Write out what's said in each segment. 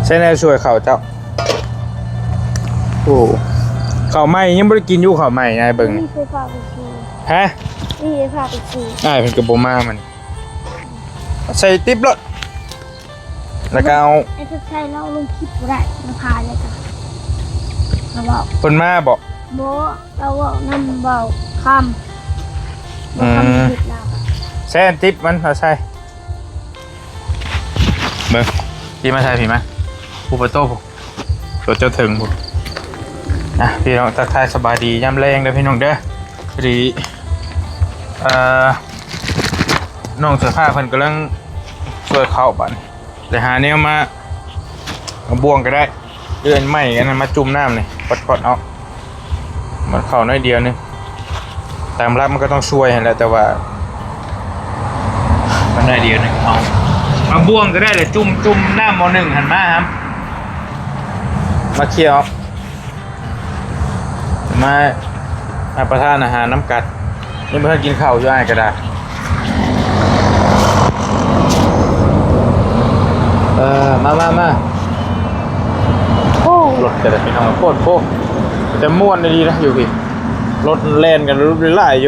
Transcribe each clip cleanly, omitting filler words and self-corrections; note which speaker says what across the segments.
Speaker 1: ใช่แน่ช่วยเขาเจ้าโอ้เขาใหม่ยังไม่ได้กินอยู่เขาใหม่นายเบิ่ง
Speaker 2: นี่เคยพาไปขี่
Speaker 1: ฮะ
Speaker 2: นี่เคยพาไปขี่
Speaker 1: เป็นกระโบมามันใส่ติ๊บรถแล้วก็เอา
Speaker 2: ไอ้ทุกชายเราลงคลิปบ่ได้มาพาเลยจ้ะเราบอก
Speaker 1: คนมาบอก
Speaker 2: โบเราบอกนั่นบอกคำบอกคำผิดเรา
Speaker 1: ใส่ติ๊บมันเอาใส่เบิ่งพี่มาใส่พี่มาผู้ประตูผมตัวเจ้าถึงผมพี่น้องทักทายสบายดีย่ำแรงเด้อพี่น้องเด้อพอดีน้องเสื้อผ้าเพิ่นกำลังช่วยเข้าบันแต่หาแนวมาบ่วงก็ได้เลื่อนไม้กันมาจุ่มน้ำนี่กดเอามันเข้าน้อยเดียวนึงตามรับมันก็ต้องช่วยแหละแต่ว่ามันน้อยเดียวนึงเอามาบ่วงก็ได้เลยจุ่มน้ำม.1หันมาครับมาเคี่ยวมาประทานอาหารน้ำกัดนี่เพื่อนกินข้าวอยู่อ้ายก็ได้มาโอ้รถแต่พี่น้องโคตรแต่ม่วนดีนะอยู่พี่รถแล่นกันรุ่นไล่อยู่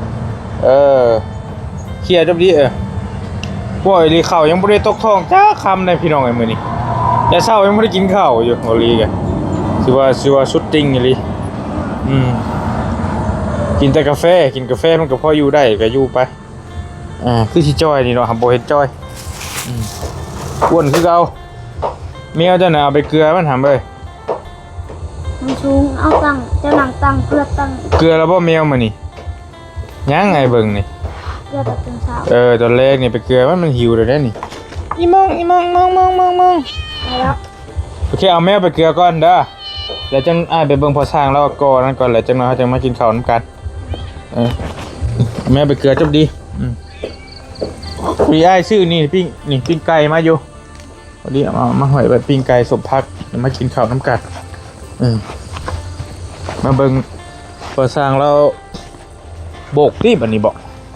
Speaker 1: เคลียร์จบดีป่วยรีเข่ายังไม่ได้ตกท้องจ้าคำในพี่น้องไอ้มือนี่แต่เช้ายังไม่ได้กินข้าวอยู่โอลีกันสิว่าชุดติ้งอย่างนี้กินแต่กาแฟมันก็พออยู่ได้ก็อยู่ไปคือที่จอยนี่เนาะฮัมโบเฮ็ดจอยอ้วนคือเก่าเมียเจ้าหน่ะเอาไปเกลือมันทำเลย
Speaker 2: มันสูงเอาตั้งเจ้าหนังตั้งเพื่อตั้ง
Speaker 1: เกลือแล้วบ่แมวมานี่ยังไงเบิ่งนี่
Speaker 2: เพื่อตัดเป็นเช้า
Speaker 1: ตอนแรกนี่ไปเกลือมันหิวเลยได้นี่อีมอง
Speaker 2: แล้ว
Speaker 1: โอเคเอาแมวไปเกลือก่อนเด้อแล้วจังไปเบิ่งพอสร้างแล้วก่อนั่นก่อนแล้วจังน้อยจังมากินข้าวนำกันแมวไปเกลือจบดีพี่อ้ายชื่อนี่ปิ้งไก่มาอยู่วันนี้เอามาหอยแบบปิ้งไก่สมพักมากินข้าวน้ำกัดมาเบิ่งพอสร้างแล้วโบกที่บันนี้บอก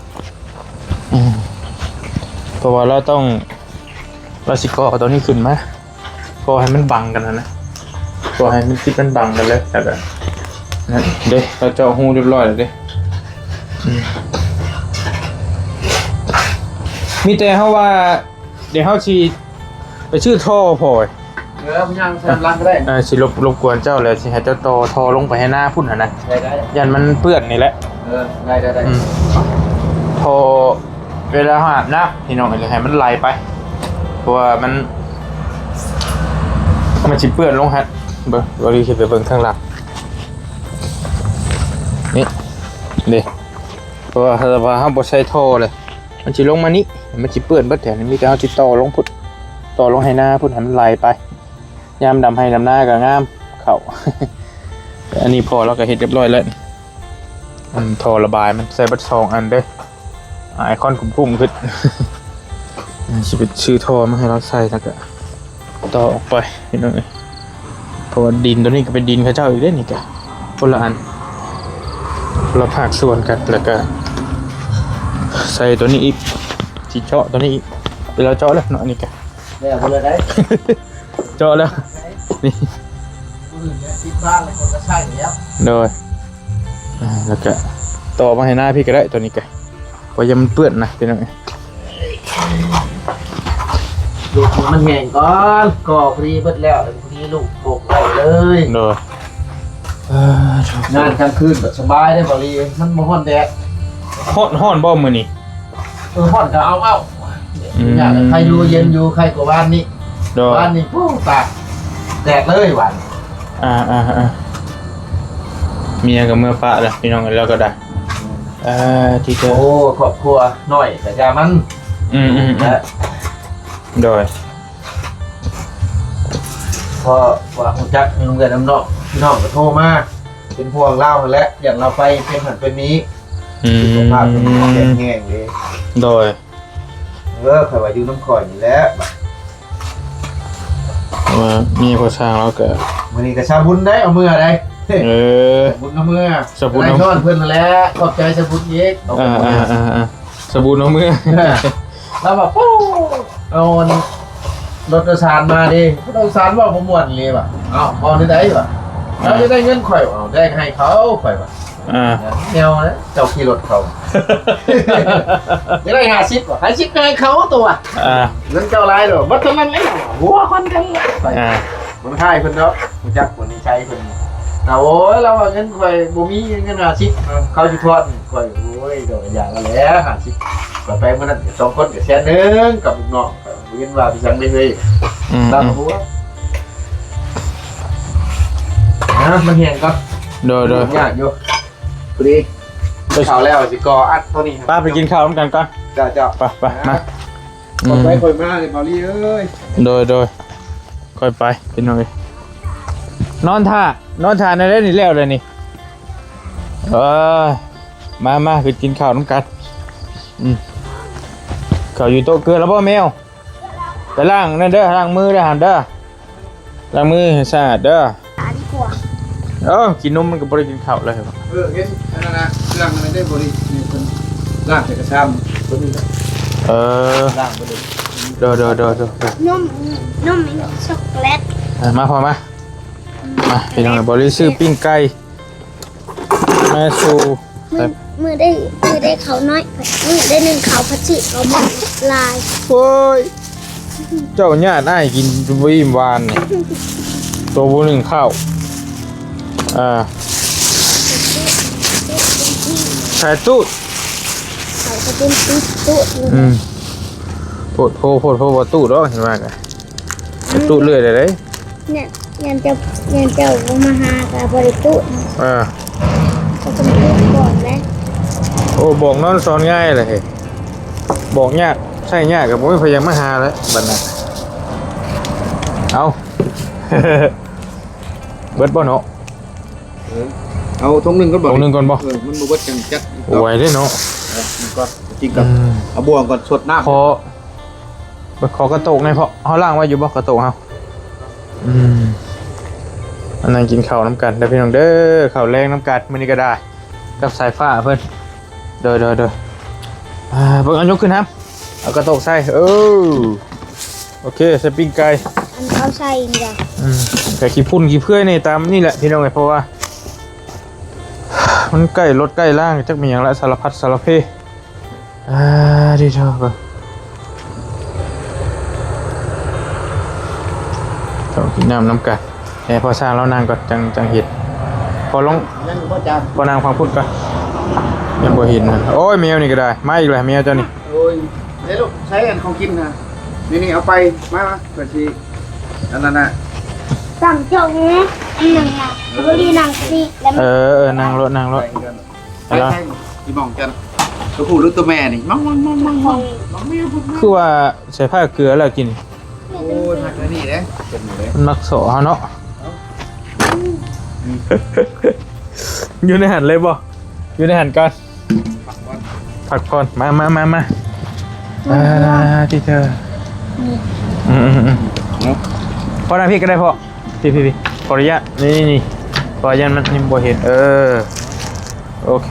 Speaker 1: เพราะว่าเราต้องเราสิก่อตัวนี้ขึ้นมาก่อให้มันบังกันนะก่อให้มันคิดมันบังกันเลยแต่แบบนั่นเด้เราเจาะหูเรียบร้อยแล้วเด้มีแต่เขาว่าเดี๋ยวเขาชีไปชื่อท่อพอย
Speaker 3: พี่ยังทำรังก็ได้
Speaker 1: สิรบกวนเจ้าเลยสิให้เจ้าทอลงไปให้หน้าพุ่นนะ
Speaker 3: ได้
Speaker 1: ยันมันเปื้อนนี่แหละ
Speaker 3: ได้
Speaker 1: ทอเวลาอาบน้ำพี่น้องเลยให้มันไหลไปเพราะว่ามันจิเปื้อนลงฮะเบิ้งเราดีขึ้นไปเบิ้งข้างหลังนี่เด้เพราะว่าห้ามบดใช้ท่อเลยมันจิลงมานี้มันจิเปื้อนเบิดแถวนี้มีแต่เอาจิต่อลงพุทต่อลงให้หน้าพุทให้มันไหลไปยามดำให้ดำหน้าก็งามเข่าอันนี้พอแล้วก็เฮ็ดเรียบร้อยแล้วท่อระบายมันใส่บัด2อันเด้ไอคอนคุ้มขึ้นจะเป็นชื่อท่อมาให้เราใส่แล้วก็ต่อออกไปนิดหน่อยเพราะว่าดินตัวนี้ก็เป็นดินข้าเจ้าอีกได้นี่แกคนละอันเราผากส่วนกันแล้วก็ใส่ตัวนี้อีกจีเจาะตัวนี้อีกเวลาเจาะแล้วเนาะนี่แก
Speaker 3: ได้เอาเลยได้
Speaker 1: เจาะแล้วนี่
Speaker 3: ที่บ้านเลยคนก็ใช่แล้ว
Speaker 1: โดยแล้วก็ต่อมาให้หน้าพี่ก็ได้ตัวนี้แกเพราะยังมันเปื้อนนะเป็นยังไง
Speaker 3: ลูกมันแห้งก่อนก่อพอดีเบิดแล้วพอดีลูกโบกได้เลย
Speaker 1: โดย
Speaker 3: งานกลางคืนแบบสบายได้บริมันมาฮ้อนแดด
Speaker 1: ฮ้อนบ่มื้อนี้
Speaker 3: ฮ้อนก็เอาอยากใครอยู่เย็นอยู่ใครกว่าบ้านนี้บ้านนี้ปุ๊บตากแดดเลยหวาน
Speaker 1: เมียกับเมื่อปะแล้วพี่น้องกันแล้วก็ได้ที่เธอ
Speaker 3: โอ้ครอบครัวหน่อยแต่ยามัน
Speaker 1: นะโดย
Speaker 3: พอว่าคุณจักมีโรงเรียนน้ำนอกพี่น้องก็โทรมาเป็นพวงเล่าแล้วอย่างเราไปเป็นหันเป็นนี้สุขภาพเป็นแห้งเลย
Speaker 1: โดย
Speaker 3: ใครว่าอยู่น้ำคอยนี่แหละ
Speaker 1: มีพอช่างแล้วก็
Speaker 3: มื้อนี้ก็ชาบุญได้เอามือได้บุญเอามือ
Speaker 1: สบุญเอา
Speaker 3: ช้อนเพิ่นแล้วขอบใจสบุญอีก
Speaker 1: สบุญเอามือ
Speaker 3: แล้วแบบปู้เอารถโดยสารมาดิรถโดยสารว่าผมม่วนเลยว่ะเอ้าพอได้ว่ะเราจะได้เงินข่อยเอาได้ให้เขาข่อยว่ะ แนวนะเจ้าขี่รถเขาจะได้50ว่ะ50ให้เขาตัวเงินเจ้าไรหรอบัดเท่านั้นเลยหัวคนกันมันค่ายเพิ่นเนาะรู้จักคนนี้ใช้เพิ่นโอ้ยเราเงินข่อยบ่มีเงิน50เขาสิทอดข่อยโอ้ยดอกอย่างละแล้ว50ก็ไปมื้อนั้น2คนก็แสนนึงกับลูกน้องเรียนว่าพี่สังได้เลยตามหัวมันเหียงก็โดยยากอยู่พอดีไปข่าวแล้วสิกออัดตัวนี้
Speaker 1: ป้าไปกินข้าวร่วมกันก่อน
Speaker 3: จ้า
Speaker 1: ไปมา
Speaker 3: ไปค่อยมาเลยเบาลี่เอ้ย
Speaker 1: โดยค่อยไปกินหน่อยนอนท่าในเล่นนี่แล้วเลยนี่มาคือกินข้าวร่วมกันข้าวอยู่โต๊ะเกลือแล้วพ่อแมวไปล้างนั่นเด้อล้างมือเด้อหันเด้อล้างมือให้สะอาดเด้อกินนมมันก็บ่ได้กินข้าวเลยครับ
Speaker 3: เห็นอันนั้นนะเครื่องมันได้บ่ได้นี่เพิ่นล้างใส่กระชังตัวนี้ล้างไปเลย
Speaker 1: โด
Speaker 2: นมช็อกโกแลต
Speaker 1: มาพอมาพี่น้องบ่ได้ซื้อปิ้งไก่มาสู่
Speaker 2: มือได้เขาน้อยมือได้1เขาพัชิเขาหมดลาย
Speaker 1: โอ้ยเจ้าญาติได้กินวิมวานนี่ตัวบ่1ข้าวใส่ตู้
Speaker 2: ใส่กระตุ้นตู้
Speaker 1: โพดว่าตู้ดอกเห็นว่ากันตู้เรื่อยเลย
Speaker 2: เนี่ยยันเจ้ามาหากับบริตู้ก็ต้องตู้ก่อนแล้ว
Speaker 1: โอ้บอกนอนสอนง่ายเลยบอกยากใช่ยากกับผมพยายามมาหาแล้วบัดนั้นเอาเบิดบ่เนาะ
Speaker 3: เอาทงนึงก็บอก
Speaker 1: ทงนึงก่อนบ่
Speaker 3: มันบ่เบิดจังจัด
Speaker 1: ไหวได้เนาะ
Speaker 3: มันก็จริงกับเอาบ่วงก่อนสดน้ำ
Speaker 1: ขอกระโตกในเพราะเฮาล่างไว้อยู่บ่กระโตกเฮาอันนั้นกินข้าวน้ำกันได้พี่น้องเด้อข้าวแรงน้ำกันมื้อนี้ก็ได้กับสายฟ้าเพิ่นเด้อเบิ่งเอายกขึ้นครับเอากระโตกใส่โอเคใส่ปิ้งไก่
Speaker 2: อันเขาใส่จ้ะ
Speaker 1: ไก่ขี้พุ่นขี้เพื่อยนี่ตามนี่แหละพี่น้องเพราะว่ามันใกล้รถใกล้ล่างจักมีอย่างละสารพัดสารเพดีเถอะต้องกินน้ำกันพอสร้างแล้วนางก็จังเห็ดพอลงพอนางฟังพูดกันยังบ่เห็นนะโอ้ยแมวนี่ก็ได้มาอีกแล้วแมวเจ้านี่
Speaker 3: โอ้ยเดี๋ยวลูกใช้อันของกินนะนี่เอาไปมาเปิดทีอันนั้นนะ
Speaker 2: สั่งจงนะหนึ่งนะบริหนังสิ
Speaker 1: นางรถ
Speaker 3: แล้วที่มองกันตัวผู้หรือตัวแม่นี่มอง
Speaker 1: คือว่าใส่ผ้าเกลือแล้วกิน
Speaker 3: โอ้ยหักแล้วนี่เลย
Speaker 1: มันมักโสเฮาเนาะอยู่ในหันเลยบ่อยู่ในหันก่อนผักก่อนมาที่เธอพอนะพี่ก็ได้พอพี่ขออนุญาตนี่ขออนุญาตมันบ่เห็นโอเค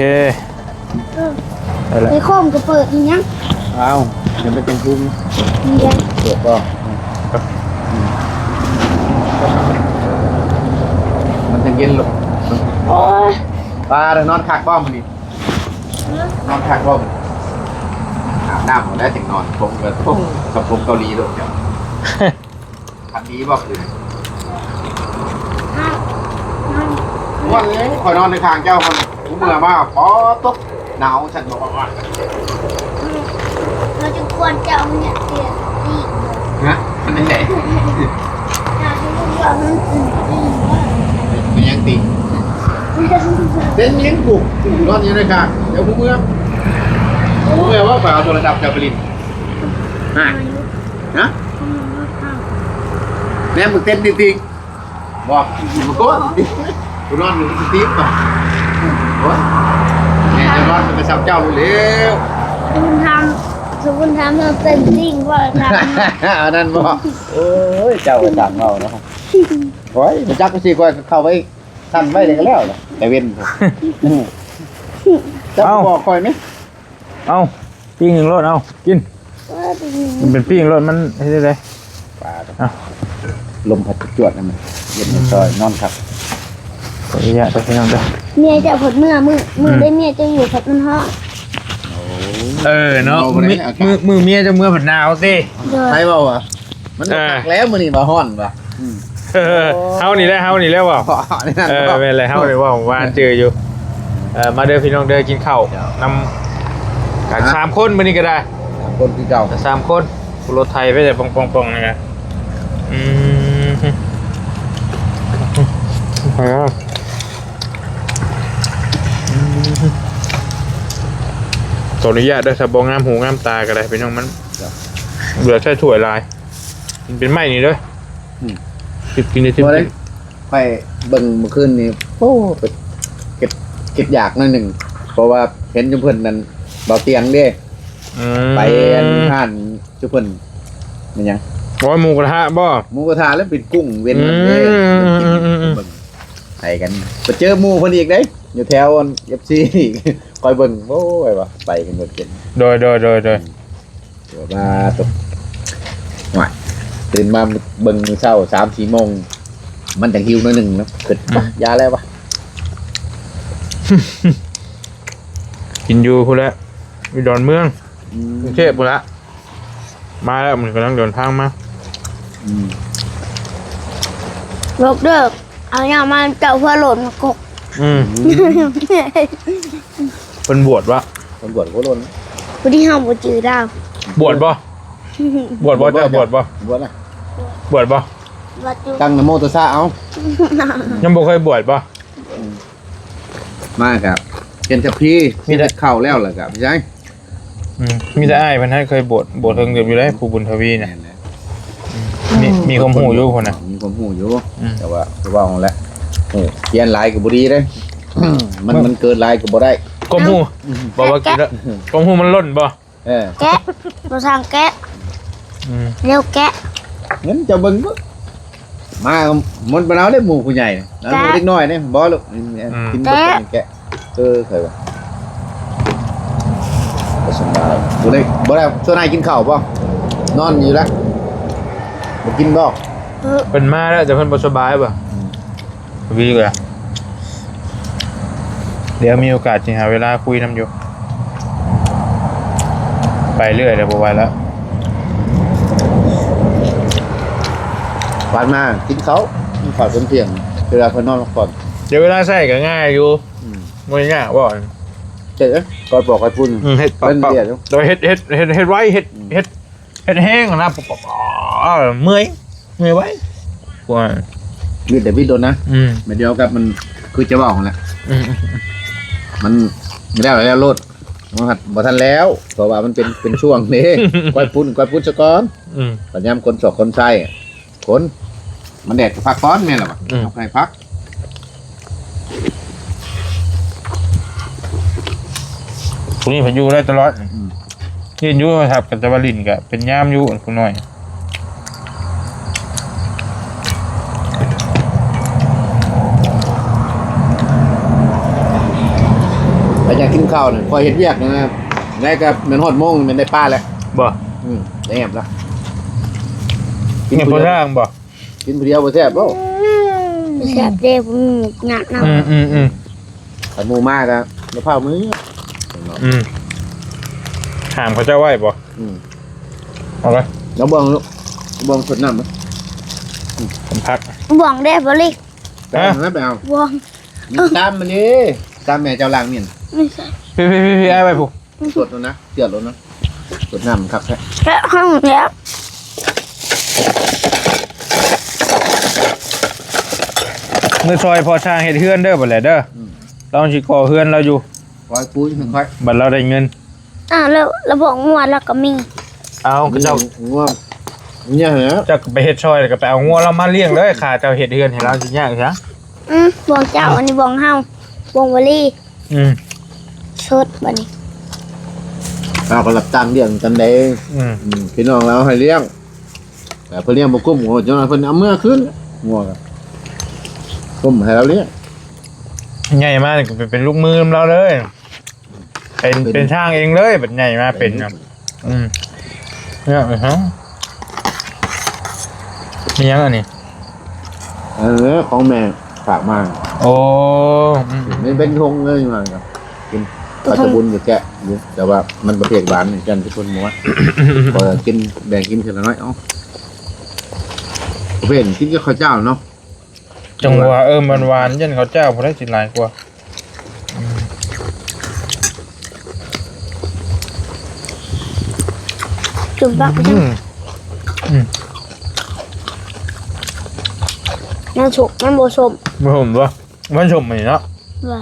Speaker 2: ไปโคมก็เปิดยัง
Speaker 3: อ้าวยังไม่เป็นคุ้มเปิดก็มันจะเย็นหรอปลาเดี๋ยวนอนคักบ้อมันนี่นอนคักบ้อมันอาบน้ำหมดแล้วจึงนอนผมกับผมเกาหลีด้วยจ้ะคันนี้บอกคือวันนี้คอยนอนในทางเจ้าคนผมเมื่อมากพอตกหนาวฉันบอกว่า
Speaker 2: เราจะควรจะเอาเนี่ยเตียตี
Speaker 3: นะมันไม่ใช่มันยังตีเต้นยังปลุกนอนอยู่ในทางเดี๋ยวผมเมื่อว่าฝ่ายเอาโทรศัพท์จะไปลินนะแม่มึงเต้นจริงๆบอกมึงก็กูนอนอยู่ที่ติ๊บป่ะแม่จะนอนไปสับเจ้าเร็ว
Speaker 2: คุณทำเราเต้นจริงว่าท
Speaker 3: ำอันนั้นบอกโอ้ยเจ้าก็จังเราเนาะโอ้ยมันจักก็สิก้อยเข้าไว้สั่นไว้เลยก็แล้วแต่เว้นเจ้าบอกคอยไหม
Speaker 1: เอาปิ้งหนึ่งรถเอากินมันเป็นปิ้งรถมันให้ได้ปลา
Speaker 3: ลมพัดจวดนั่นมันเย็นซอยนอนครับ
Speaker 1: ขออนุญาตไปพี่น้องเด้อ
Speaker 2: เมียจะผดมือได้เมียจะอยู่ผัดมันฮ้อ
Speaker 1: เนาะมือเมียจะมือผัดหนาวสิ
Speaker 3: ใช่เปล่าวะมันหักแล้วมือนี่มาฮ้อนป่ะ
Speaker 1: เฮานี่แหละว่ะเป็นไรเฮานี่ว่าผมว่าเจออยู่มาเด้อพี่น้องเด้อกินข้าวนำกัน3คนมื้อนี้ก็ได้
Speaker 3: คนที่เก่า
Speaker 1: 3คนรถไทยไปแต่ปองๆนี่นะขออนุญาตด้วยสบองงามหูงามตาก็ได้พี่น้องมันเหลือแค่ถ้วยลายมันเป็นไม้นี่เด้อกินได้ทิ้ง
Speaker 3: ไปเบิ่งเมื่อคืนนี้โอ้เก็บอยากหน่อยหนึ่งเพราะว่าเห็นจุเพิ่นนั้นเบาเตียงเด้ไปท่านจุเพิ่นมันยัง
Speaker 1: หมูกระทะบ่
Speaker 3: หมูกระทะแล้วเป็นกุ้งเว้นมันเด้ไปกันไปเจอหมูเพิ่นอีกเด้อยู่แถวFC คอยเบิ่งโอ้ยว่ะไปกันหมดเกิน
Speaker 1: โดย
Speaker 3: ว่าตกว่าตื่นมาเบิ่งเช้า 3-4 โมงมันจังหิวหน่อยนึงเนาะเกิดยาแล้ววะ
Speaker 1: กินอยู่พุ่นละมีดอนเมืองกรุงเทพพุ่นละมาแล้วมันกำลังเดินทางมา
Speaker 2: ลบเด้อเอาอย่างมาเจ้าเพื่อหล่นมากก
Speaker 1: เป็นบวชวะ
Speaker 3: เป็นบวชโคตรล้น
Speaker 2: ผู้ที่ห้ามบ่จือดาว
Speaker 1: บวชบ่เจ้าบวชบ่
Speaker 3: บวชนะ
Speaker 1: บวชบ่
Speaker 3: ตั้งนะโมตัสสะเอา
Speaker 1: ยังบ่เคยบวชบ่
Speaker 3: มาครับเห็นแต่พี่มีแต่เข้าแล้วล่ะครับใช่
Speaker 1: มีแต่อ้ายเพิ่นให้เคยบวชเพิ่งเกือบอยู่ได้ผู้บุญทวีน่ะมีความหูอยู่คนน่ะ
Speaker 3: มีความหูอยู่แต่ว่าของแล้วเขียนลายก็บ่ดีเด้มันเกินลายก็บ่ได้
Speaker 1: ความหูบ่ว่ากินแล้วความหูมันล้นบ่
Speaker 2: แกะบ่ทางแกะเร็วแกะ
Speaker 3: งั้นจะเบิ่งบ่มามันบ่เอาได้หมู่ผู้ใหญ่แล้วเด็กน้อยนี่บ่ลูกกินบ่เป็นแกะเคยว่าบ่สบายบ่ได้ส่วนนายกินข้าวบ่นอนอยู่แล้วบ่กินบ่
Speaker 1: เป็นมาแล้วแต่เพิ่นบ่สบายบ่วีเลยเดี๋ยวมีโอกาสจริงหาเวลาคุยนำอยู่ไปเรื่อยเดี๋ยวบ่ไหวแล้ว
Speaker 3: ผ่านมากินเขาขอเที่ยงเวลาเขานอนพักผ่อน
Speaker 1: เดี๋ยวเวลาใส่ก็ง่ายอยู่ไม่ยากบ่
Speaker 3: เจ๊ก่อนบอกให้พุ่น
Speaker 1: เฮ็ดเป็นเดียวโดยเฮ็ดไว้เฮ็ดแห้งนะเมื่อยไว้กว่า
Speaker 3: วิดเดวิดโดนนะไม่เดียวกับมันคือจะบอกแหละมันไม่ได้แล้วโลดมันหัดบ่ทันแล้วเพราะว่ามันเป็นช่วงนี้ก้อยพุ่นสะก้อนปัญญามคนสอกคนไส้คนมันแดดพักก้อนแม่นหรอวะเอาใครพัก
Speaker 1: คุณนี่พายุได้ตลอดยืนอยู่ครับกับตะวันลินกับเป็นย่ามอยู่คุณน้อย
Speaker 3: ไปอยากกินข้าวเนี่ยคอยเห็นเวียกนะครับได้กับเหมือนหดโมงมันได้ป้าแล้ว
Speaker 1: บ่
Speaker 3: ได้แอบแล้ว
Speaker 1: กินผู้ย่างบ่
Speaker 3: กินผู้เดียวบ่แซ่บบ่
Speaker 2: แซ่บเด้ผมหนักน้
Speaker 3: ำหมูมากครับมะพร้าวมือ
Speaker 1: ถามเขาเจ้าไหวบ่เอาไป
Speaker 3: แล้วบ้องลูกบ้องสดน้ำมั้ย
Speaker 1: ผมพัก
Speaker 2: บ้องได้บ่ลิก
Speaker 3: แล้วไปเอา
Speaker 2: บ้อง
Speaker 3: ตามมันนี่ตามแม่เจ้าล่างนี่
Speaker 2: ไม่ใช่
Speaker 1: พี่ไอ้ไปผูก
Speaker 3: สดแล้วนะเดือดแล้วนะสดน้ำครับ
Speaker 2: แค่ห้องแล้ว
Speaker 1: เมื่อซอยพอช่างเฮ็ดเฮือนเด้อบ่แหละเด้อเราสิก่อเฮือนเราอยู่
Speaker 3: คอยปุ้ยค่อย
Speaker 1: บัดเราได้เงิน
Speaker 2: แล้วระบบงัวแล้วก็มี
Speaker 1: เอาเจ้า
Speaker 3: งัวเนี่ยเหรอ
Speaker 1: จะไปเฮ็ดซอยแล้วก็ไปเอางัวเรามาเลี้ยงเลยค่ะเจ้าเฮ็ดเฮือนให้เราสิยากซะ
Speaker 2: บ่เจ้าอันนี้บ่เฮาบ่วลีชดบัดนี้
Speaker 3: เราก็รับจ้างเลี้ยงกันได้พี่น้องเราให้เลี้ยงแต่เพิ่นเลี้ยงบ่กุ้มโหจนเพิ่นเอาเมื่อคืนงัวก็กุ้มให้เราเลี้ยง
Speaker 1: ใหญ่มากเป็นลูกมือเราเลยเป็นช่างเองเลยแบบใหญ่มากเป็นครับเนี่ยฮะมียังอันนี้
Speaker 3: ของแม่ฝากมา
Speaker 1: โอ้
Speaker 3: ไม่เป็นทงเลยมาครับกินปลาตะบุญกับแกะอยู่แต่ว่ามันประเภทหวานเหมือนกันทุกคนม้วนพอกินแบ่งกินเท่าน้อยประเภทกินกับข้าวเจ้าเนาะ
Speaker 1: จังหวะมันหวานยันเขาเจ้าพอได้กินหลายกว่า
Speaker 2: จุ่มปักไปจังมันสุกมันโบสม
Speaker 1: ไม่ผมว่ามันชมมันเนาะ
Speaker 2: ว่า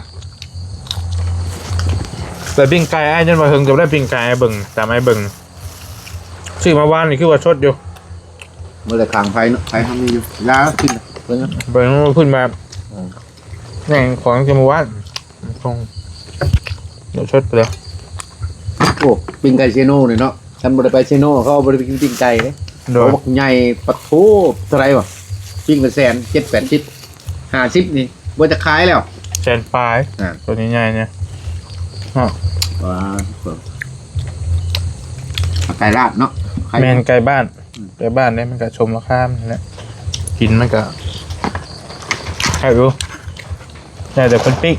Speaker 1: แต่ปิ้งไก่ไอ้ยันมาเฮงจะได้ปิ้งไก่ไอ้เบิ่งแต่ไม่เบิ่งซื้อมาวานนี่คือว่าชดอยู่
Speaker 3: เมื่อไรขางไฟเนาะไฟทำนี่อยู่ยากินเพิ่ง
Speaker 1: เบิ่งมันขึ้นมาแหน่งของจะมาวานคงเดี๋ยวชดไปเลย
Speaker 3: โอ้ปิ้งไก่เชโน่เลยเนาะฉันบริไปเชโน่เขาบริไปกินปิ้งไก่เลย
Speaker 1: โดย
Speaker 3: เขาบอกใหญ่ปะโถเท่าไรวะปิ้งเป็นแสน7-8 50นี่ว่าจะขายแล้ว
Speaker 1: แจนปลายตัวนี้ใหญ่เนี่ย
Speaker 3: ว้าไก่ราดเนาะ
Speaker 1: แมนไก่บ้านเนี่ยมันก็ชมราคามันแหละกินมันก็ใครรู้แต่คนปิ๊ก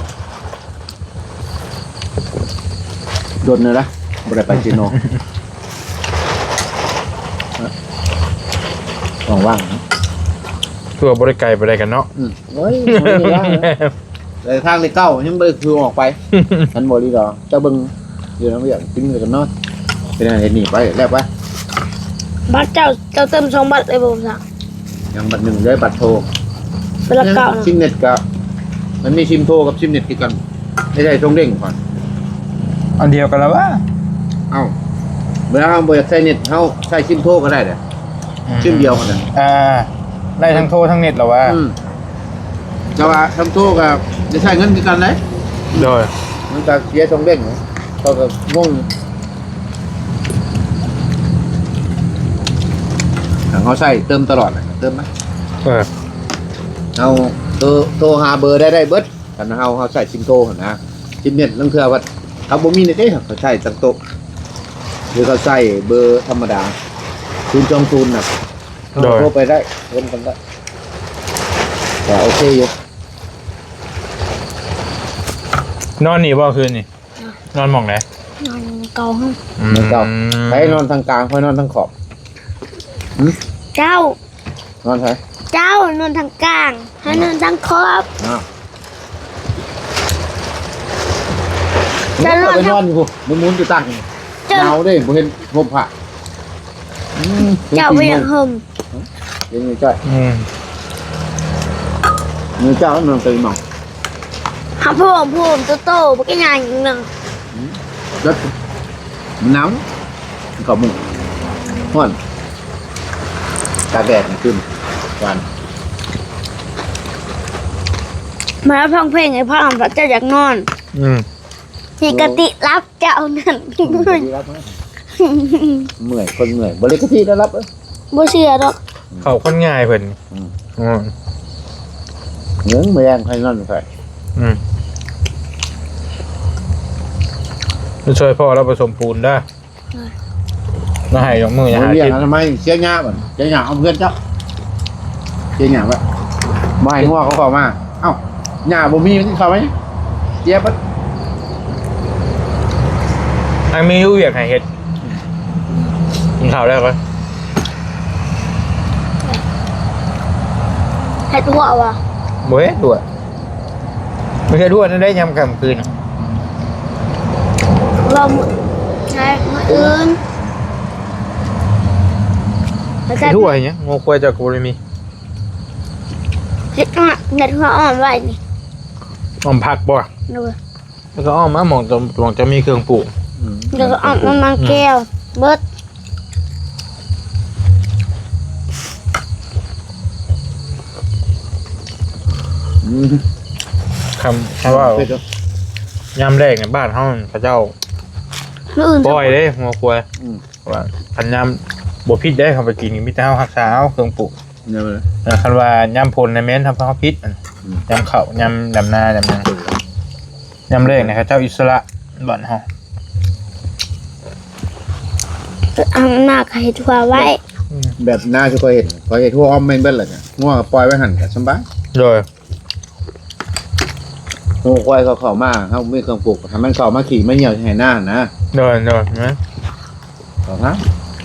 Speaker 3: โดนเลยนะบริไปเชโน่ว่างๆนะ
Speaker 1: ทั่วบริไก่ไปได้กันเนาะ
Speaker 3: โอ้ยแต่ทางในเก้ายังไม่คือออกไปฉันบริดอเจ้าเบิ้งเดี๋ยวเราอยากกินกันเนาะเป็นอะไรหนีไปแล้วไป
Speaker 2: บัตรเจ้าเติม2 บัตรเลยบ่สั่ง
Speaker 3: ยังบัตรหนึ่งด้วยบัตรโทร
Speaker 2: เป็นละเก่านะ
Speaker 3: ซิมเน็ตกับมันมีซิมโทรกับซิมเน็ตติดกันไม่ใช่ช่องเด้งก่อน
Speaker 1: อันเดียวกันแล้ววะ
Speaker 3: เอ้าเวลาเราบริใช้เน็ตเขาใช้ซิมโทรก็ได้เลยซิมเดียวกันเลย
Speaker 1: ได้ทั้งโทรทั้งเน็ตเหรอวะ
Speaker 3: แต่ว่าทำโทรกับจะใช้เงินติดกันเลย
Speaker 1: โดย
Speaker 3: มันจะเสียช่องเด้งเขาก็งงเขาใช้เติมตลอดเลยเติมไหม เอาโทรหาเบอร์ได้เบิดกันเขาใส่ซิมโทรนะซิมเน็ตนั่นคือว่าเขาบ่มีในเด้เขาใช้ตั้งโต๊ะหรือเขาใส่เบอร์ธรรมดา020น่ะโทรไปได้เล่นกันได้แต่โอเคอยู่
Speaker 1: นอนนี่บ่คืนนี่นอนหม่องไหน
Speaker 2: นอนเก่าห้อง
Speaker 3: แล้วก็ไปนอนทางกลางค่อยนอนทางขอบ
Speaker 2: เจ้าน
Speaker 3: อนใช่
Speaker 2: เจ้านอนทางกลางให้นอนทางขอบ
Speaker 3: จะนอนอยู่มุนอยู่ตั้งหนาวด้บ่เห็นห่มผ้า
Speaker 2: เจ้าไม่อยากห่ม
Speaker 3: ยังไงจ้อยมือเจ้านอนตื่นหมอง
Speaker 2: หาผมโตๆบ่ก็ใหญ่อีกนึง
Speaker 3: rất nóng có mù hoan cà ghẹt cưng toàn
Speaker 2: มาฟังเพลงไอ้พ่อทำพระเจ้าอยากนอนที่กติรับเจ้านั่น
Speaker 3: mười con người bơ lấy cái thi đó lắp ấy
Speaker 2: บ่เชื่อดอก
Speaker 1: เขาคนง่ายเพิ่น
Speaker 3: nhớ mười em hay ngon phải
Speaker 1: มันช่วยพ่อเราผสมปูนได้น่าให้ยกมืออย่าหา
Speaker 3: bây
Speaker 1: กิน
Speaker 3: giờ là mày chia nhà bảo chia nhà ông gân chắc chia nhà vậy mày mua có khẩu mà ау nhà bố mi cái khẩu ấy chia bất
Speaker 1: อันมีอยู่อยากให้เฮ็ดกินข้าวได้ปะ
Speaker 2: เฮ็ดหัวว่ะ
Speaker 1: บ่เฮ็ดด้วยไม่ใช่ด้วยนั่นได้ยำกลางคืน
Speaker 2: ว่ามื้อใช่มื้ออื่นแล้วจะ
Speaker 1: ด้วยเนี่ยงูควายจากกูเลยมี
Speaker 2: เฮ็ดหัวอ่อนไว้นี่
Speaker 1: อ้อมผักบ่
Speaker 2: ดู
Speaker 1: แล้วก็อ้อมมะมองจะมีเครื่องปลูก
Speaker 2: เดี๋ยวก็เอามันแก้วเบิด
Speaker 1: คำว่ายำแรกในบ้านเขาพระเจ้า
Speaker 2: มื้ออื่น
Speaker 1: ปล่อยเด้งูควายว่าคันยำบ่พิษได้เขาไปกินมิตรเฮารักษาเอาเครื่องปลูก
Speaker 3: nhớ rồi
Speaker 1: คันว่ายำพลในแม่นทำเขาพิษยำเข่ายำดำนายำนายำแรกนะครับเจ้าอิสระบ้านเฮา
Speaker 2: เอาหน้าก็เฮ็ดหัวไว้
Speaker 3: ยแบบหน้าที่เคยเห็นทั่วอ้อมไม่เบิ้ลเลยเนี่ยง่วงปล่อยไว้หันกับสบาย
Speaker 1: โดย
Speaker 3: โง่ควายเขาเข้ามาเขาไม่เครื่องปลูกทำมันเข้ามาขี่ไม่เหี่ยวให้หน้านะ
Speaker 1: โดยนะ
Speaker 3: ต่อครับ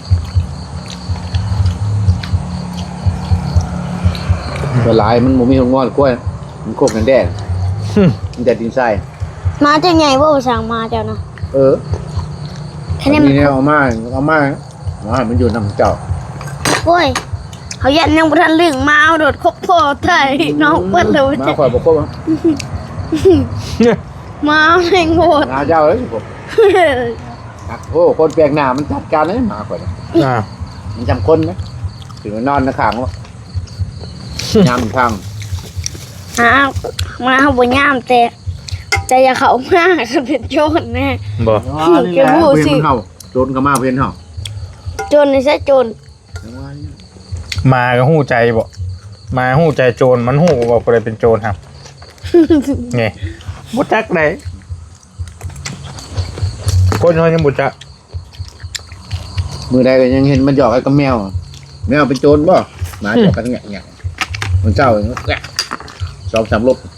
Speaker 3: ตัวลายมันบ่มีหัวงอนกล้วยมันโคกกันแดดมันแต่ดินทราย
Speaker 2: มาจะใหญ่ว่าสั่งมาเจ้านะ
Speaker 3: แค่นี้มันเอามามันอยู่นำเจ้า
Speaker 2: โอ้ยเขายันยังบ่ทันลึงมาเอาโดดคบพ่อไทยน้องเปิ้นเลย
Speaker 3: มาข่อยบ่ครบ
Speaker 2: มาแม่งโหด
Speaker 3: หาเจ้าเลยผมโอ้คนแปลกหน้ามันจัดการเลยมาข่อย มันจำคนนะถึงนอนนะข้างว่ายามข้าง
Speaker 2: มาเฮาบ่ยามแต่อย่าเข้ามาคันเป็นโจรแน่
Speaker 1: บ่
Speaker 3: นี่แหละเพื่อนเฮาโจรก็มาเพื่อนเฮา
Speaker 2: โจรนี่ซะโจร
Speaker 1: มาก็หู้ใจบ่มาหู้ใจโจรมันหู้ว่าคนใดเป็นโจรครับไงบ่จักไดคนเฮายังบ่จัก
Speaker 3: มือใดก็ยังเห็นมันหยอกไอ้กับแมวเป็นโจรบ่หมาหยอกกันแงะมันเจ้าแงะ2-3 ลบ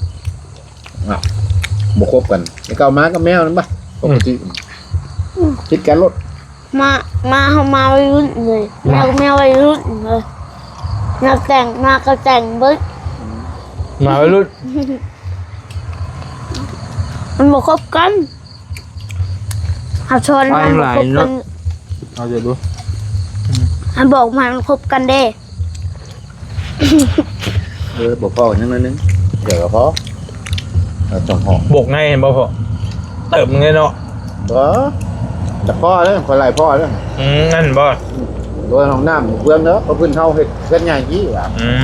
Speaker 3: บ่คบกันไอ้เก่ามากับแมวนั่นบ่ปกติคิดกันรถ
Speaker 2: มาเฮามาวัยรุ่นเลยแมววัยรุ่นเลยนักแต่งมาก็แต่งเบิด
Speaker 1: มาวัยรุ่น
Speaker 2: มันบ่คบกันหาชนมันบ่คบกัน
Speaker 1: เอาจะดู
Speaker 2: มันบอกมันคบกันเด้
Speaker 3: บ่พอกันยังนึงเดี๋ยวก็พอจังห้อง
Speaker 1: บกไงเห็นบ่พ่อเติบมึงไงเนาะ
Speaker 3: บ่แต่พ่อเด้อคนไล่พ่อเด้อ
Speaker 1: นั่นบ่
Speaker 3: โดยห้องน้ำเพื่อนเด้อเขาเพิ่นเฮาเฮ็ดเฮ็ดใหญ่ยี่ว่า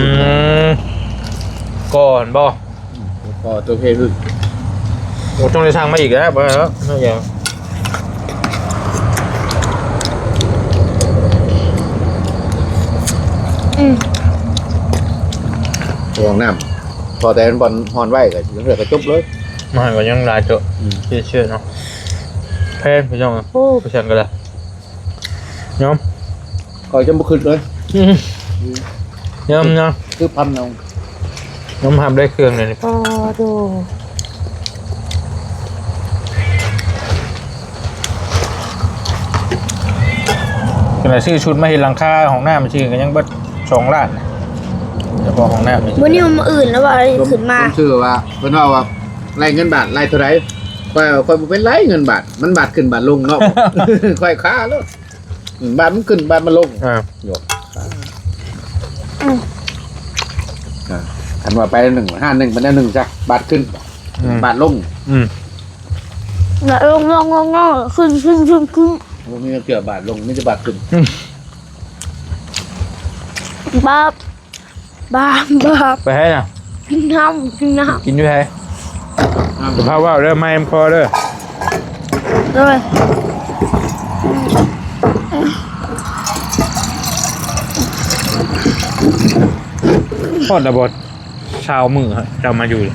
Speaker 1: ก่อนบ่
Speaker 3: พ่อตัวเพลึก
Speaker 1: โอ้ต้องได้ทางมาอีกแล้วบ่แล้วไม่ยาว
Speaker 3: ห้องน้ำพอแต่บอลฮอนไว้ก็เหลือก็จบเลย
Speaker 1: มาก็ยังหลายเจาะเชื่อเนาะแพนพี่น้องโอ้ไปชันกันละยอม
Speaker 3: ก็จะบ่ขึ้นเลย
Speaker 1: ยอม
Speaker 3: คือพันเอา
Speaker 1: ยอมทำได้เครื่องเลยนี่ป้าโดขณะซื้อชุดมาเห็นหลังคาของหน้ามันชื่อกันยังเบิด2 ล้านเฉพาะของหน้ามัน
Speaker 2: วันนี้มันมาอื่นแล้วว่าขึ้นมา
Speaker 3: ผมชื่อว่าเพิ่นว่าไล่เงินบาทไล่เท่าไหร่ค่อยบ่เป็นไล่เงินบาทมันบาทขึ้นบาทลงเนาะ ค่อยค้าแล้วบาทมันขึ้นบาทมันลงโยกคันว่าไป151มันได้1จ้ะบาทขึ้นบาทลง
Speaker 2: แล้วลงขึ้น
Speaker 3: บ่มีเกี่ยวบาทลงมีแต่บาทขึ้น
Speaker 2: บ้า
Speaker 1: ไปให้น่ะ
Speaker 2: กินน้ำ
Speaker 1: กินอยู่ให้สภาพว่าเด้อไม่พอเด้อ
Speaker 2: เลย
Speaker 1: พอดระบดชาวมือฮะจะมาอยู่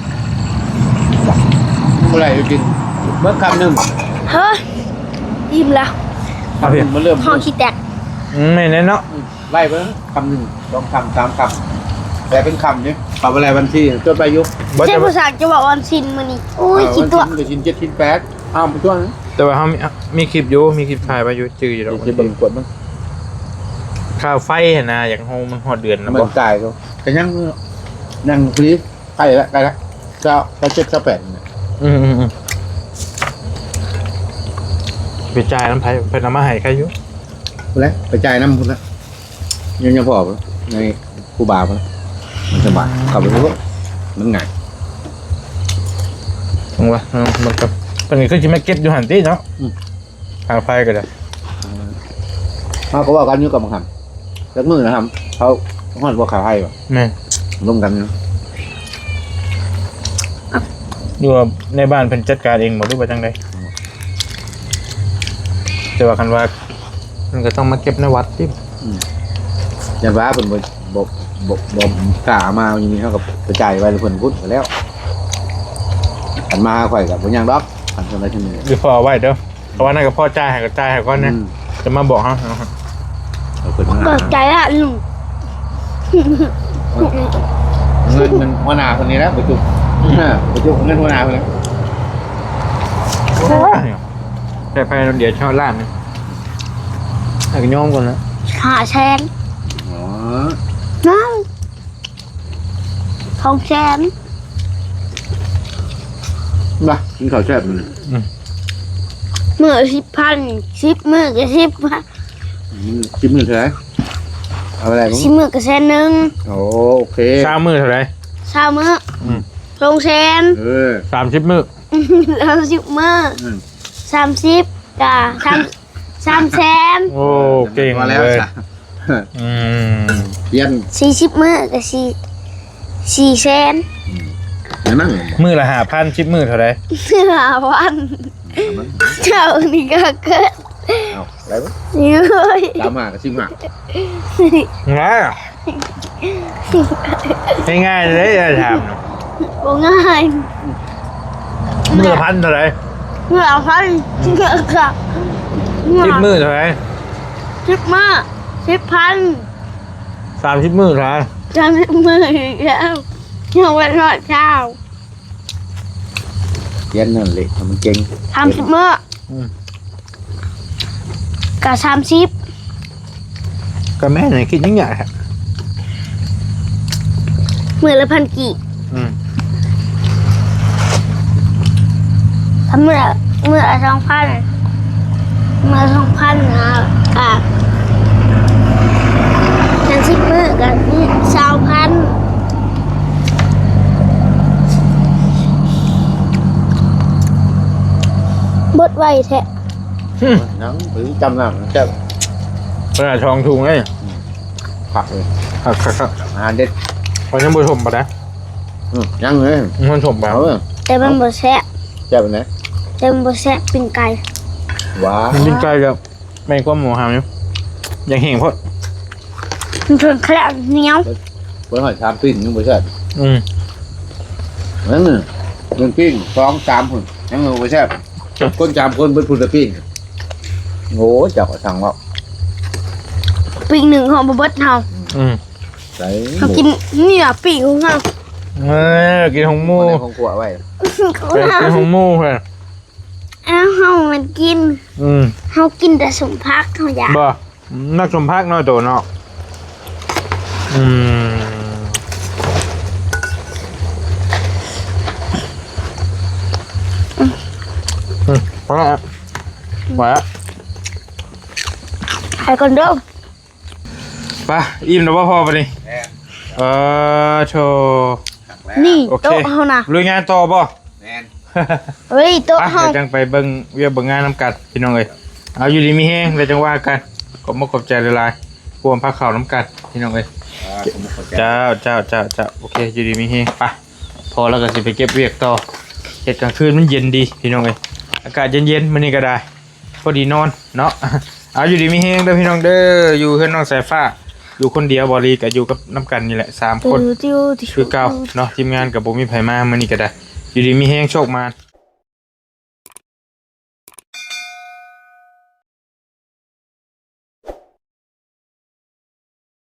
Speaker 3: เมื่อไหร่จะกินเมื่อคำหนึ่ง
Speaker 2: เฮ้ยอิ่มแล้ว
Speaker 1: คำหนึ่ง
Speaker 3: มันเริ่ม
Speaker 2: ห้องขี้แตก
Speaker 1: ไม่แน่เนาะ
Speaker 3: ไล่ไปคำหนึ่ง2 คำ 3 คำแต่เป็นคำเนี่ยปรับอะไรวันที่จดไปยุบ
Speaker 2: เจ้าผู้สาวจะบอกวันซินมื้อนี้โอ้ยกินตัว
Speaker 3: จะกิน7 ชิ้น 8อ้าวไปช่วงนั้น
Speaker 1: แต่ว่าเขามีคลิปอยู่มีคลิปถ่ายไปอยู่จืดอยู่ดอก
Speaker 3: กินบนกดมั้ง
Speaker 1: ข้าวไฟเห็นนะอย่างโฮมันหอดเดือนนะ
Speaker 3: มั
Speaker 1: บ่
Speaker 3: นตายเขาแต่ยังฟรีใกล้แล้ว7 8เนี่ย
Speaker 1: ไปจ่ายน้ำไผ่ไปน้ำมาให้ใครอยู่
Speaker 3: แล้วไปจ่ายน้ำพุ่นละยังพอปะในคูบาปะมันสบายขับไปรู้มันง่าย
Speaker 1: ตรงวะมันกับตอนนี้คือจะไม่เก็บอยู่หันตีเนาะทางไฟก็ได้
Speaker 3: เขาก็ว่ากันอยู่กับมังคับแล้วมือนะครับเขาห่อนว่าขาให้ปะ
Speaker 1: แม่
Speaker 3: ร่วมกันนะ
Speaker 1: อยู่ในบ้านเป็นจัดการเองหมดหรือว่าจังไดแต่ว่าคันว่ามันก็ต้องมาเก็บในวัดที่
Speaker 3: ยันว่าเป็นบ่กล้ามาอย่างนี้เขากับกระจายไปเพิ่นพุทธไปแล้วอันมาข่อยกับบ่ยังดอกอันทำอะไรที่นี่
Speaker 1: หรือพอเอาไว้เด้อเพราะว่านั่นก็พ่อจ่ายให้ก็จ่ายให้ก่อนนะจะมาบอกเขา
Speaker 3: เเอาขึ้นมา
Speaker 2: เปิดใจละลุง
Speaker 3: เงินมันหัวหน้าคนนี้แล้วประจุประจุเงินหัวหน้าคนนี้
Speaker 1: แต่ไปเดี๋ยวชอบร้านนึงให้กันโยมก่อนนะ
Speaker 2: 5 แสน
Speaker 3: อ๋อ
Speaker 2: น้อง2 แสน
Speaker 3: มากินข้าวแซ่บมัน
Speaker 2: มื้อ10,000 10มื้อก็10,000
Speaker 3: จิ้มมือเท่าไหร่เอาอะไรบ้าง
Speaker 2: 10มื้อก็แสนหนึง
Speaker 3: โอเค
Speaker 1: เช้ามือเท่าไหร่
Speaker 2: 20มื้อ
Speaker 1: อืม
Speaker 2: 2 แสน
Speaker 1: 30 มื้อ
Speaker 2: แล้ว10มื้อ
Speaker 3: อืม
Speaker 2: 30จ้ะ3 แสน
Speaker 1: โอ้เก่ง
Speaker 3: มาแล้ว
Speaker 1: เลย
Speaker 3: จ้ะ
Speaker 1: อืม
Speaker 3: เย็น
Speaker 2: 40มื้อก็4 แสน
Speaker 3: อย่างนั่ง
Speaker 1: มื้อละ5,000 10 มื้อเท่าไหร่
Speaker 2: 5,000เจ้านี่ก็เกิด
Speaker 3: เอาอะไรบ้าง
Speaker 2: นี่เลย
Speaker 3: ตามมากับชิมหา
Speaker 1: ง่ายง่ายๆเลยจะถาม
Speaker 2: บ่ง่าย
Speaker 1: มื้อละ1,000เท่าไหร่
Speaker 2: เมื่อเอาพันเมื่อค่ะเมื่อ
Speaker 1: 10 มื้อเท่าไหร่
Speaker 2: 10 มื้อ10,000
Speaker 1: 30 มื้อเท่าไหร่
Speaker 2: 30 มื้ออีกแล้วยังวันรอดเช้า
Speaker 3: เย็นนั่นเลยมันเก่ง
Speaker 2: 30 มื้อกับ30
Speaker 1: ก็แม่ไหนคิดยังไงครับ
Speaker 2: มื้อละ1,000กี่
Speaker 1: อืม
Speaker 2: ถ้ามื้อละ2,000มื้อละ2,000นะกับ30 มื้อกับ20,000บดไว้แท้
Speaker 3: นังหรือจำหนังแซ่บ
Speaker 1: เวลาทองถุงเลย
Speaker 3: ผักเลย
Speaker 1: ครับ
Speaker 3: อาหารเด็ด
Speaker 1: พอยังบ่ชมปะนะ
Speaker 3: ยังเลย
Speaker 1: มันชมปะ
Speaker 3: เอาเลย
Speaker 2: แต่มันบ่แซ่บ
Speaker 3: แซ่บไปไหน
Speaker 2: แต่มันบ่แซ่บเป็นไก่
Speaker 3: ว้า
Speaker 1: มันกินไกลกับแม่งความหมูหามอยู่ยังเห็นพอด
Speaker 2: มันเป็นแคลบเหนียว
Speaker 3: บนหอยชามปิ้งยังไม่ใช่
Speaker 1: อืม
Speaker 3: นั่นน่ะยังปิ้ง2-3คนยังไม่ใช่คน3คนเบิดพุ่นละปิ้งโง่เจ้าก็สั่งว่า
Speaker 2: ปีกหนึ่งของบ่เบิดเฮา
Speaker 1: อืม
Speaker 3: ใส่ห
Speaker 2: เขา
Speaker 3: มู
Speaker 2: กินนี่อ่ะปีกของเฮา
Speaker 1: กินของหมู
Speaker 3: ในของขวไว้
Speaker 1: กินของหมูค่ะ
Speaker 2: อ้าวเฮามันกิน
Speaker 1: อืม
Speaker 2: เฮากินแต่สมพักเฮาอยาก
Speaker 1: บ่นักชมภาคน้อยโตเนาะอืมพอแล้วไหวแล้ว
Speaker 2: ให้ก่อนเด้อ
Speaker 1: ไปอิ่มแล้วว่าพอปะนี่โชว์
Speaker 2: นี่
Speaker 1: โอเค
Speaker 2: โต๊ะเฮาน่ะ
Speaker 1: ลุยงานต่อป่ะ
Speaker 3: แมน
Speaker 2: เฮ้ยโต๊ะ
Speaker 1: อ่ะ
Speaker 2: เฮา
Speaker 1: เดี๋ยวจังไปเบิ่งเวียกเบิ่งงานน้ำกัดพี่น้องเอ้ยเอาอยู่ดีมีแห้งเดี๋ยวจังว่ากันขอบมกขอบใจหลายๆพวมพักข่าวน้ำกัดพี่น้องเอ้ยเจ้าโอเคอยู่ดีมีแห้งไปพอแล้วก็สิไปเก็บเวียกต่อเฮ็ดกลางคืนมันเย็นดีพี่น้องเอ้ยอากาศเย็นๆมื้อนี้ก็ได้พอดีนอนเนาะ เอาอยู่ดีมีแห้งเด้อพี่น้องเด้ออยู่เฮือนน้องสายฟ้าอยู่คนเดียวบ่รีก็อยู่กับน้ำกันนี่แหละ3คน
Speaker 2: ติ้ว
Speaker 1: คือเก่าเนาะทีมงานกับบ่มีไผมามื้อนี้ก็ได้อยู่ดีมีแห้งโชคมาน